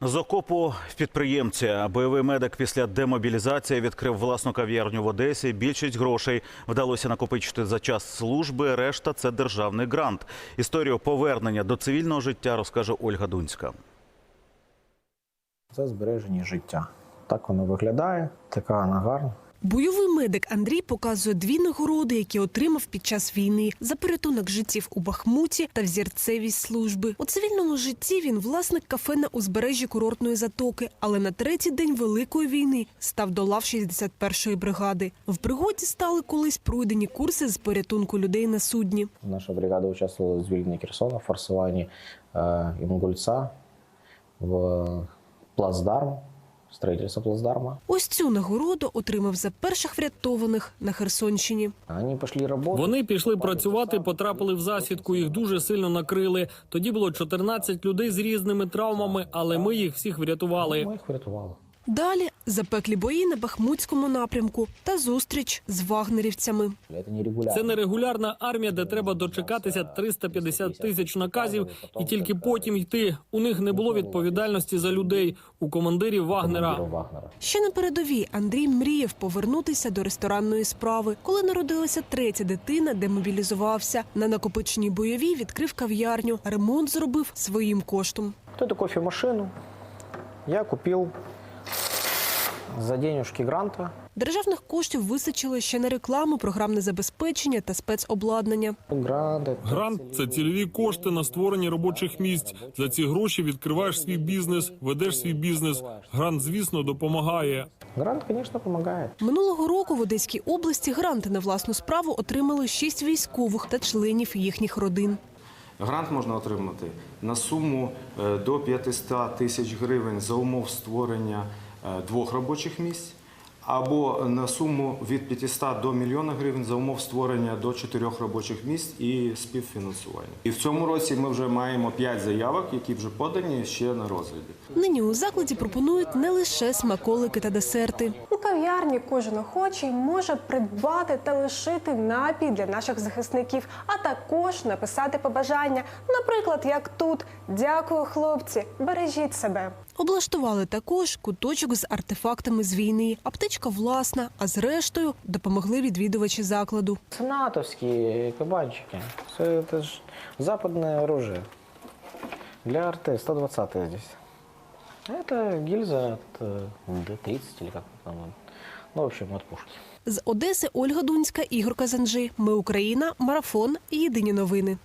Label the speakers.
Speaker 1: З окопу в підприємця. Бойовий медик після демобілізації відкрив власну кав'ярню в Одесі. Більшість грошей вдалося накопичити за час служби, решта – це державний грант. Історію повернення до цивільного життя розкаже Ольга Дунська.
Speaker 2: Це збереження життя. Так воно виглядає, така вона гарна.
Speaker 3: Бойовий медик Андрій показує дві нагороди, які отримав під час війни – за порятунок життів у Бахмуті та взірцевість служби. У цивільному житті він власник кафе на узбережжі курортної затоки, але на третій день Великої війни став до лав 61-ї бригади. В пригоді стали колись пройдені курси з порятунку людей на судні.
Speaker 2: Наша бригада участвувала в звільненні Херсона, в форсуванні Інгульця, в плацдарм. Строїтельство плацдарма.
Speaker 3: Ось цю нагороду отримав за перших врятованих на Херсонщині.
Speaker 4: Вони пішли працювати, потрапили в засідку, їх дуже сильно накрили. Тоді було 14 людей з різними травмами, але ми їх всіх врятували.
Speaker 2: Ми їх врятували.
Speaker 3: Далі запеклі бої на Бахмутському напрямку та зустріч з вагнерівцями.
Speaker 4: Це не регулярна армія, де треба дочекатися 350 тисяч наказів і тільки потім йти. У них не було відповідальності за людей, у командирів Вагнера.
Speaker 3: Ще на передовій Андрій мріяв повернутися до ресторанної справи. Коли народилася третя дитина, демобілізувався. На накопиченій бойовій відкрив кав'ярню. Ремонт зробив своїм коштом.
Speaker 2: Эту кофемашину я купив за денежки гранта.
Speaker 3: Державних коштів вистачило ще на рекламу, програмне забезпечення та спецобладнання.
Speaker 4: Грант – це цільові кошти на створення робочих місць. За ці гроші відкриваєш свій бізнес, ведеш свій бізнес. Грант, звісно, допомагає.
Speaker 2: Грант, звісно, допомагає.
Speaker 3: Минулого року в Одеській області гранти на власну справу отримали 6 військових та членів їхніх родин.
Speaker 5: Грант можна отримати на суму до 500 тисяч гривень за умов створення 2 робочих місць, або на суму від 500 до 1 мільйона гривень за умов створення до 4 робочих місць і співфінансування. І в цьому році ми вже маємо 5 заявок, які вже подані ще на розгляді.
Speaker 3: Нині у закладі пропонують не лише смаколики та десерти.
Speaker 6: У кав'ярні кожен охочий може придбати та лишити напій для наших захисників, а також написати побажання. Наприклад, як тут «Дякую, хлопці, бережіть себе».
Speaker 3: Облаштували також куточок з артефактами з війни. Аптечка власна, а зрештою допомогли відвідувачі закладу.
Speaker 2: Це натовські кабанчики. Це ж западне оружие. Для РТ 120 здесь. Это гильза от Д-30 или как там. Ну, в общем, от пушки.
Speaker 3: З Одеси Ольга Дунська, Ігор Казанжи. Ми Україна. Марафон. Єдині новини.